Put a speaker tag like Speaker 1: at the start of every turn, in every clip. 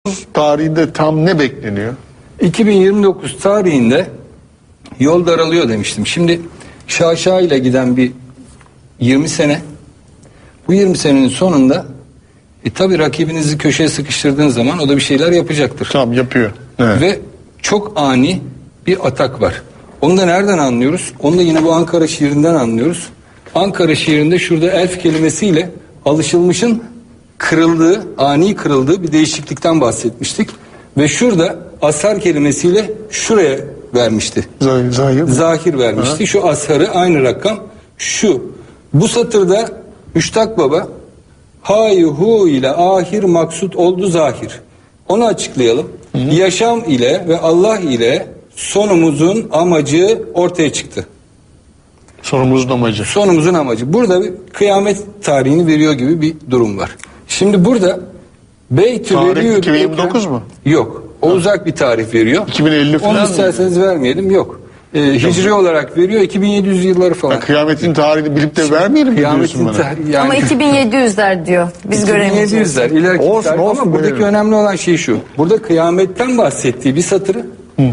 Speaker 1: tarihinde tam ne bekleniyor?
Speaker 2: 2029 tarihinde yol daralıyor demiştim. Şimdi şaşa ile giden bir 20 sene. Bu 20 senenin sonunda tabii rakibinizi köşeye sıkıştırdığınız zaman o da bir şeyler yapacaktır.
Speaker 1: Tam yapıyor. Evet.
Speaker 2: Ve çok ani bir atak var. Onu da nereden anlıyoruz? Onu da yine bu Ankara şiirinden anlıyoruz. Ankara şiirinde şurada elf kelimesiyle alışılmışın kırıldığı, ani kırıldığı bir değişiklikten bahsetmiştik. Ve şurada ashar kelimesiyle şuraya vermişti. Zahir vermişti. Ha. Şu asharı aynı rakam şu. Bu satırda Müştak Baba hay hu ile ahir maksut oldu zahir. Onu açıklayalım. Hı. Yaşam ile ve Allah ile sonumuzun amacı ortaya çıktı.
Speaker 1: Sonumuzun amacı.
Speaker 2: Sonumuzun amacı. Burada bir kıyamet tarihini veriyor gibi bir durum var. Şimdi burada Beytü
Speaker 1: tarih 2029 mu?
Speaker 2: Yok. O uzak bir tarih veriyor.
Speaker 1: 2050 falan.
Speaker 2: Onu isterseniz vermeyelim. Yok. Hicri olarak veriyor. 2700 yılları falan.
Speaker 1: Kıyametin tarihini bilip de vermeyelim mi diyorsun bana?
Speaker 3: Yani... Ama 2700'ler diyor. Biz göremeyeceğiz.
Speaker 2: 2700'ler ileriki tarih. Ama buradaki önemli olan şey şu. Burada kıyametten bahsettiği bir satırı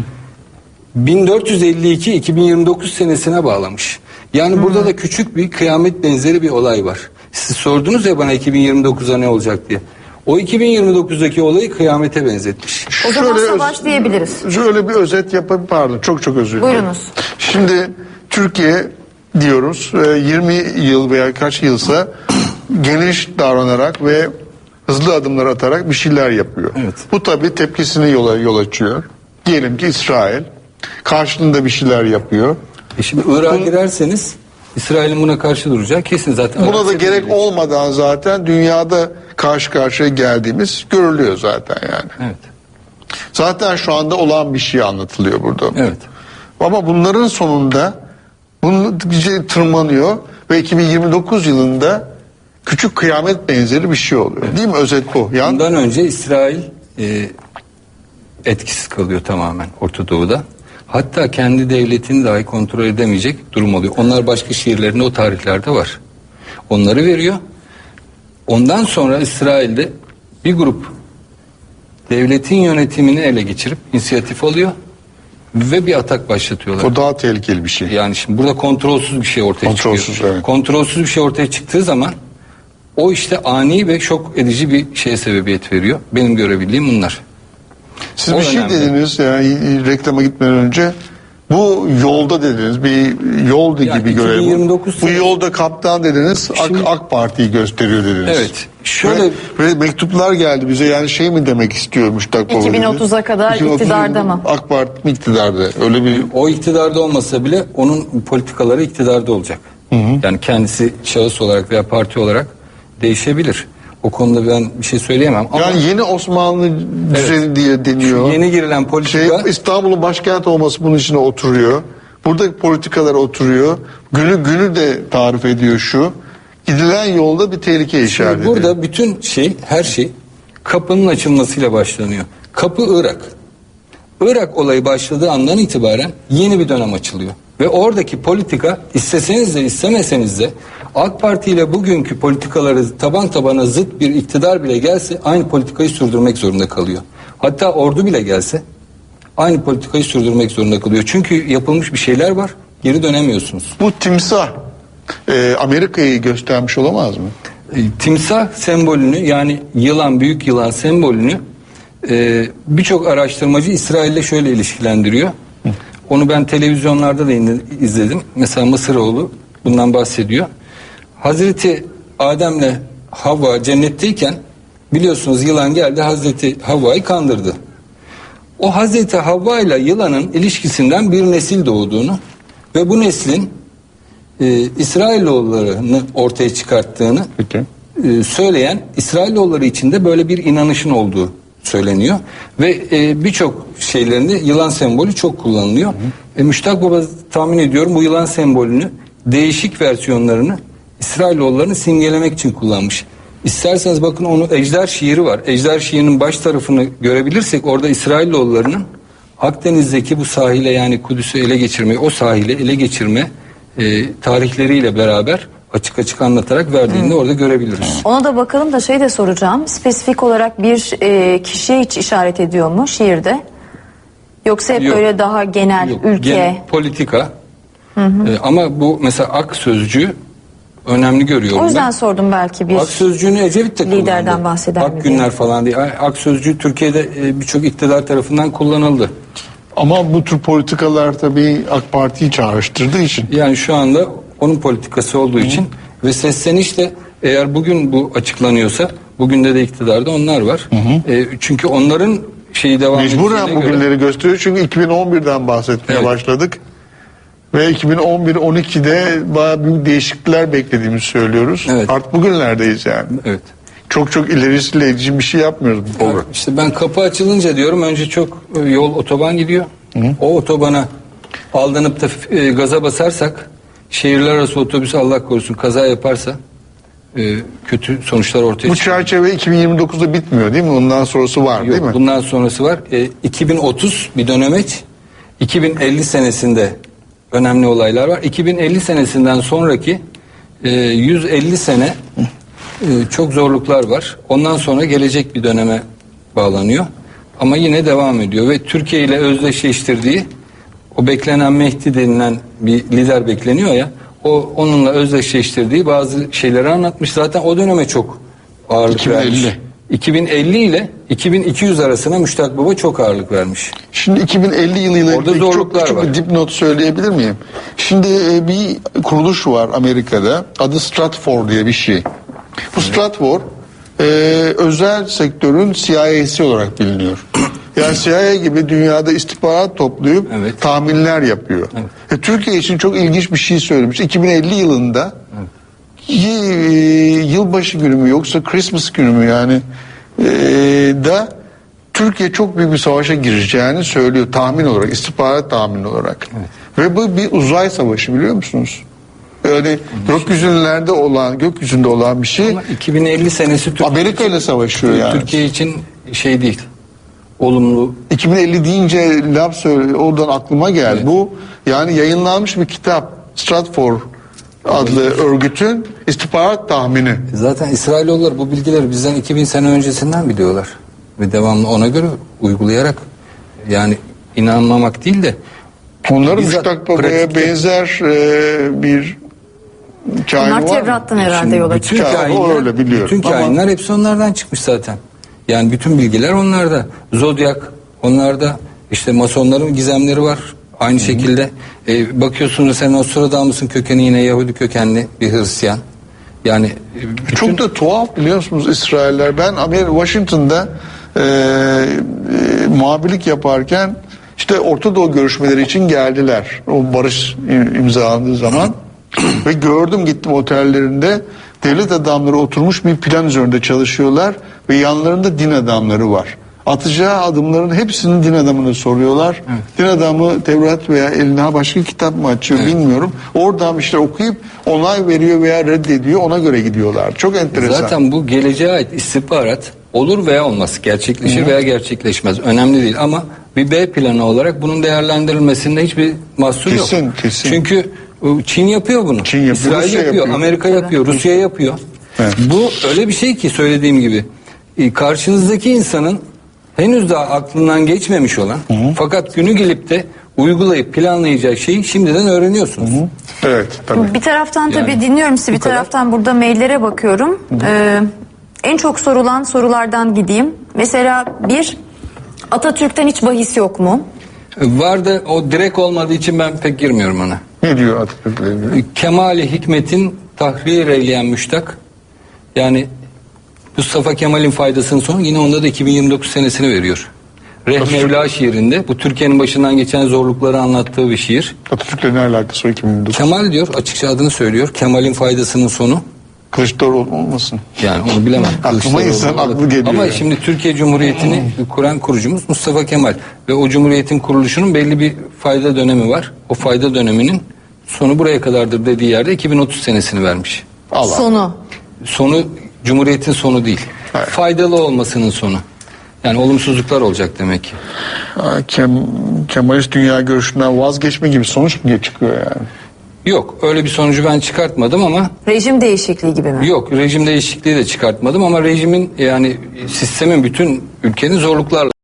Speaker 2: 1452-2029 senesine bağlamış. Yani burada da küçük bir kıyamet benzeri bir olay var. Siz sordunuz ya bana 2029'a ne olacak diye. O 2029'daki olayı kıyamete benzetmiş.
Speaker 3: O zaman savaş diyebiliriz.
Speaker 1: Şöyle bir özet yapayım, pardon çok özür dilerim.
Speaker 3: Buyurunuz.
Speaker 1: Şimdi Türkiye diyoruz 20 yıl veya kaç yılsa geniş davranarak ve hızlı adımlar atarak bir şeyler yapıyor.
Speaker 2: Evet.
Speaker 1: Bu tabii tepkisini yol açıyor. Diyelim ki İsrail karşılığında bir şeyler yapıyor.
Speaker 2: Şimdi Irak'a girerseniz İsrail'in buna karşı duracağı kesin zaten.
Speaker 1: Buna da gerek olmadan zaten dünyada karşı karşıya geldiğimiz görülüyor zaten yani.
Speaker 2: Evet.
Speaker 1: Zaten şu anda olan bir şey anlatılıyor burada.
Speaker 2: Evet.
Speaker 1: Ama bunların sonunda bunu tırmanıyor ve 2029 yılında küçük kıyamet benzeri bir şey oluyor. Evet. Değil mi? Özet bu.
Speaker 2: Bundan önce İsrail etkisiz kalıyor tamamen Orta Doğu'da. Hatta kendi devletini dahi kontrol edemeyecek durum oluyor. Onlar başka şehirlerinde o tarihlerde var. Onları veriyor. Ondan sonra İsrail'de bir grup devletin yönetimini ele geçirip inisiyatif alıyor ve bir atak başlatıyorlar.
Speaker 1: O daha tehlikeli bir şey.
Speaker 2: Yani şimdi burada kontrolsüz bir şey ortaya çıkıyor.
Speaker 1: Evet.
Speaker 2: Kontrolsüz bir şey ortaya çıktığı zaman o işte ani ve şok edici bir şeye sebebiyet veriyor. Benim görebildiğim bunlar.
Speaker 1: Siz bir şey dediniz yani reklama gitmeden önce. Bu yolda dediniz, bir yol gibi görelim. Bu yolda kaptan dediniz, şimdi, AK Parti'yi gösteriyor dediniz.
Speaker 2: Evet. Şöyle
Speaker 1: ve mektuplar geldi bize, yani şey mi demek istiyormuş
Speaker 3: 2030'a kadar iktidarda mı?
Speaker 1: AK Parti mi iktidarda? Öyle bir
Speaker 2: o iktidarda olmasa bile onun politikaları iktidarda olacak. Hı. Yani kendisi şahıs olarak veya parti olarak değişebilir. O konuda ben bir şey söyleyemem. Ama
Speaker 1: yani yeni Osmanlı düzeni diye deniyor.
Speaker 2: Şu yeni girilen politika...
Speaker 1: İstanbul'un başkent olması bunun içine oturuyor. Buradaki politikalar oturuyor. Günü de tarif ediyor şu. Gidilen yolda bir tehlike işaret ediyor.
Speaker 2: Burada bütün her şey kapının açılmasıyla başlanıyor. Kapı Irak. Irak olayı başladığı andan itibaren yeni bir dönem açılıyor. Ve oradaki politika isteseniz de istemeseniz de AK Parti ile bugünkü politikaları taban tabana zıt bir iktidar bile gelse aynı politikayı sürdürmek zorunda kalıyor. Hatta ordu bile gelse aynı politikayı sürdürmek zorunda kalıyor. Çünkü yapılmış bir şeyler var, geri dönemiyorsunuz.
Speaker 1: Bu timsah Amerika'yı göstermiş olamaz mı?
Speaker 2: Timsah sembolünü, yani yılan, büyük yılan sembolünü birçok araştırmacı İsrail'le şöyle ilişkilendiriyor. Onu ben televizyonlarda da izledim. Mesela Mısıroğlu bundan bahsediyor. Hazreti Adem'le Havva cennetteyken biliyorsunuz yılan geldi Hazreti Havva'yı kandırdı. O Hazreti Havva ile yılanın ilişkisinden bir nesil doğduğunu ve bu neslin İsrailoğullarını ortaya çıkarttığını söyleyen İsrailoğulları içinde böyle bir inanışın olduğu söyleniyor. Ve birçok şeylerinde yılan sembolü çok kullanılıyor. Müştak Baba tahmin ediyorum bu yılan sembolünü değişik versiyonlarını İsrailoğullarını simgelemek için kullanmış. İsterseniz bakın onun Ejder şiiri var. Ejder şiirinin baş tarafını görebilirsek orada İsrailoğullarının Akdeniz'deki bu sahile, yani Kudüs'ü ele geçirme, o sahile ele geçirme tarihleriyle beraber açık açık anlatarak verdiğini de orada görebiliriz.
Speaker 3: Ona da bakalım da şey de soracağım. Spesifik olarak bir kişiye hiç işaret ediyor mu şiirde? Yoksa hep
Speaker 2: Yok.
Speaker 3: böyle daha genel,
Speaker 2: Yok,
Speaker 3: ülke.
Speaker 2: genel politika. Ama bu mesela ak sözcüğü önemli görüyorum
Speaker 3: O yüzden
Speaker 2: ben.
Speaker 3: sordum belki bir
Speaker 2: Ak sözcüğünü Ecevit de kullandı.
Speaker 3: liderden bahseder
Speaker 2: Ak
Speaker 3: mi diye.
Speaker 2: günler falan diye. Ak sözcüğü Türkiye'de birçok iktidar tarafından kullanıldı.
Speaker 1: Ama bu tür politikalar tabii AK Parti'yi çağrıştırdığı için.
Speaker 2: Yani şu anda onun politikası olduğu için ve sesleniş de eğer bugün bu açıklanıyorsa bugün de iktidarda onlar var. Çünkü onların şeyi devam
Speaker 1: Mecburen
Speaker 2: ettiğine
Speaker 1: bugünleri gösteriyor çünkü 2011'den bahsetmeye
Speaker 2: Evet.
Speaker 1: başladık. Ve 2011-12'de bayağı büyük değişiklikler beklediğimizi söylüyoruz.
Speaker 2: Evet.
Speaker 1: Artık bugünlerdeyiz yani.
Speaker 2: Evet.
Speaker 1: Çok ilerisiyle ilgili bir şey yapmıyoruz bu program.
Speaker 2: İşte ben kapı açılınca diyorum önce çok yol otoban gidiyor. O otobana aldanıp da gaza basarsak şehirler arası otobüs Allah korusun kaza yaparsa kötü sonuçlar ortaya
Speaker 1: Bu
Speaker 2: çıkıyor.
Speaker 1: çerçeve 2029'da bitmiyor değil mi? Ondan sonrası var değil mi?
Speaker 2: Yok, bundan sonrası var. 2030 bir dönemeç. 2050 senesinde önemli olaylar var. 2050 senesinden sonraki 150 sene çok zorluklar var. Ondan sonra gelecek bir döneme bağlanıyor. Ama yine devam ediyor ve Türkiye ile özdeşleştirdiği o beklenen Mehdi denilen bir lider bekleniyor ya. Onunla özdeşleştirdiği bazı şeyleri anlatmış. Zaten o döneme çok ağırlık
Speaker 1: 2050.
Speaker 2: vermiş. 2050 ile 2200 arasına Müştak Baba çok ağırlık vermiş.
Speaker 1: Şimdi 2050 yılıyla
Speaker 2: Orada
Speaker 1: ilgili çok
Speaker 2: zorluklar
Speaker 1: küçük
Speaker 2: var.
Speaker 1: bir dipnot söyleyebilir miyim? Şimdi bir kuruluş var Amerika'da. Adı Stratfor diye bir şey. Bu Stratfor özel sektörün CIA'si olarak biliniyor. Yani CIA gibi dünyada istihbarat toplayıp
Speaker 2: Evet.
Speaker 1: tahminler yapıyor. Türkiye için çok ilginç bir şey söylemiş. 2050 yılında yılbaşı günü mü yoksa Christmas günü mü yani da Türkiye çok büyük bir savaşa gireceğini söylüyor tahmin olarak, istihbarat tahmini olarak. Ve bu bir uzay savaşı biliyor musunuz? Yani gökyüzünde olan bir şey.
Speaker 2: Ama 2050 senesi
Speaker 1: Amerika ile savaşıyor yani.
Speaker 2: Türkiye için şey değil. Olumlu.
Speaker 1: 2050 deyince laf söyle, oradan aklıma geldi.
Speaker 2: Evet.
Speaker 1: Bu yani yayınlanmış bir kitap. Stratfor adlı örgütün istihbarat tahmini.
Speaker 2: Zaten İsrailoğulları bu bilgileri bizden 2000 sene öncesinden biliyorlar. Ve devamlı ona göre uygulayarak yani inanmamak değil de
Speaker 1: Onların
Speaker 2: bizzat
Speaker 1: Müştak Baba'ya
Speaker 2: pratikte-
Speaker 1: benzer bir kain
Speaker 3: Onlar
Speaker 1: var mı?
Speaker 3: Tevrat'tan herhalde
Speaker 2: Şimdi
Speaker 3: yola
Speaker 2: bütün
Speaker 3: çıkıyor.
Speaker 1: Ya, o öyle biliyorum.
Speaker 2: Bütün
Speaker 1: Ama-
Speaker 2: kainler hepsi onlardan çıkmış zaten. Yani bütün bilgiler onlarda. Zodyak onlarda. İşte masonların gizemleri var. Aynı şekilde bakıyorsunuz sen Nostradamus'un kökeni yine Yahudi kökenli bir Hristiyan. Yani bütün-
Speaker 1: Çok da tuhaf biliyor musunuz İsrailler? Ben Washington'da muhabirlik yaparken işte Orta Doğu görüşmeleri için geldiler. O barış imzalandığı zaman. Ve gördüm gittim otellerinde devlet adamları oturmuş bir plan üzerinde çalışıyorlar ve yanlarında din adamları var. Atacağı adımların hepsini din adamına soruyorlar. Din adamı Tevrat veya eline başka kitap mı açıyor bilmiyorum. Oradan işte okuyup onay veriyor veya reddediyor, ona göre gidiyorlar. Çok enteresan.
Speaker 2: Zaten bu geleceğe ait istihbarat olur veya olmaz. Gerçekleşir veya gerçekleşmez. Önemli değil ama bir B planı olarak bunun değerlendirilmesinde hiçbir mahsur yok.
Speaker 1: Kesin.
Speaker 2: Çünkü Çin yapıyor bunu.
Speaker 1: Çin yapıyor,
Speaker 2: İsrail
Speaker 1: Rusya
Speaker 2: yapıyor,
Speaker 1: yapıyor.
Speaker 2: Amerika yapıyor, Rusya yapıyor.
Speaker 1: Evet.
Speaker 2: Bu öyle bir şey ki söylediğim gibi karşınızdaki insanın henüz daha aklından geçmemiş olan fakat günü gelip de uygulayıp planlayacak şeyi şimdiden öğreniyorsunuz.
Speaker 1: Evet tabii.
Speaker 3: Bir taraftan tabii
Speaker 2: Yani
Speaker 3: dinliyorum sizi, bir
Speaker 2: kadar.
Speaker 3: taraftan burada maillere bakıyorum. En çok sorulan sorulardan gideyim. Mesela bir, Atatürk'ten hiç bahis yok mu?
Speaker 2: Var da o direkt olmadığı için ben pek girmiyorum ona.
Speaker 1: Ne diyor Atatürk'le ilgili?
Speaker 2: Kemal-i Hikmet'in tahrir eyleyen müştak. Yani Mustafa Kemal'in faydasının sonu yine onda da 2029 senesini veriyor. Mevla şiirinde bu Türkiye'nin başından geçen zorlukları anlattığı bir şiir.
Speaker 1: Atatürk'le ne alakası var 2009?
Speaker 2: Kemal diyor, açıkça adını söylüyor. Kemal'in faydasının sonu.
Speaker 1: Kılıçdaroğlu olmasın?
Speaker 2: Yani onu bilemem.
Speaker 1: Aklıma
Speaker 2: Kılıçdaroğlu
Speaker 1: insan
Speaker 2: olabilir.
Speaker 1: aklı geliyor
Speaker 2: Ama
Speaker 1: yani.
Speaker 2: şimdi Türkiye Cumhuriyeti'ni kuran kurucumuz Mustafa Kemal. Ve o Cumhuriyet'in kuruluşunun belli bir fayda dönemi var. O fayda döneminin sonu buraya kadardır dediği yerde 2030 senesini vermiş.
Speaker 1: Allah.
Speaker 3: Sonu.
Speaker 2: Cumhuriyet'in sonu değil.
Speaker 1: Evet.
Speaker 2: Faydalı olmasının sonu. Yani olumsuzluklar olacak demek ki.
Speaker 1: Kemalist dünya görüşünden vazgeçme gibi sonuç mu çıkıyor yani?
Speaker 2: Yok, öyle bir sonucu ben çıkartmadım ama
Speaker 3: Rejim değişikliği gibi mi?
Speaker 2: yok, rejim değişikliği de çıkartmadım ama rejimin, yani sistemin, bütün ülkenin zorluklarla